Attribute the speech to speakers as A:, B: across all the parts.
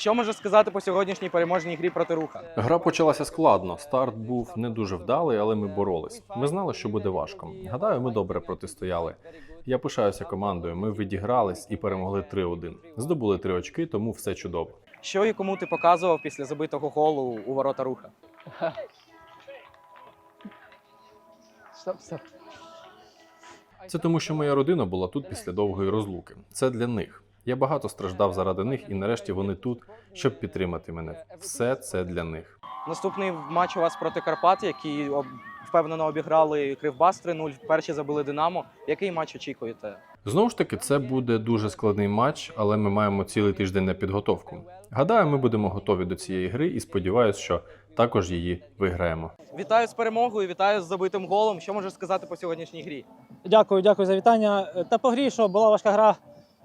A: Що можеш сказати по сьогоднішній переможній грі проти Руха?
B: Гра почалася складно. Старт був не дуже вдалий, але ми боролись. Ми знали, що буде важко. Гадаю, ми добре протистояли. Я пишаюся командою. Ми відігрались і перемогли 3-1. Здобули 3 очки, тому все чудово.
A: Що і кому ти показував після забитого голу у ворота Руха?
C: Стоп.
B: Це тому, що моя родина була тут після довгої розлуки. Це для них. Я багато страждав заради них, і нарешті вони тут, щоб підтримати мене. Все це для них.
A: Наступний матч у вас проти Карпат, які впевнено обіграли Кривбас 3-0, вперше забили Динамо. Який матч очікуєте?
B: Знову ж таки, це буде дуже складний матч, але ми маємо цілий тиждень на підготовку. Гадаю, ми будемо готові до цієї гри і сподіваюся, що також її виграємо.
A: Вітаю з перемогою, вітаю з забитим голом. Що можеш сказати по сьогоднішній грі?
C: Дякую за вітання. Та по грі, що була важка гра.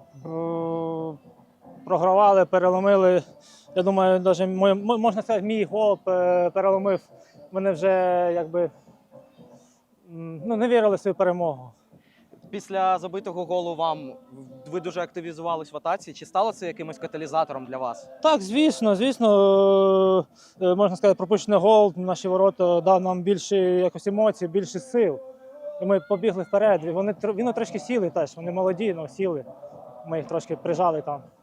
C: Програвали, переломили. Я думаю, навіть можна сказати, мій гол переломив. Вони вже не вірили в свою перемогу.
A: Після забитого голу ви дуже активізувались в атаці. Чи стало це якимось каталізатором для вас?
C: Так, звісно, можна сказати, пропущений гол, наші ворота дав нам більше якось емоцій, більше сил. І ми побігли вперед. Вони трошки сіли теж, вони молоді, але сіли. Ми їх трошки прижали там.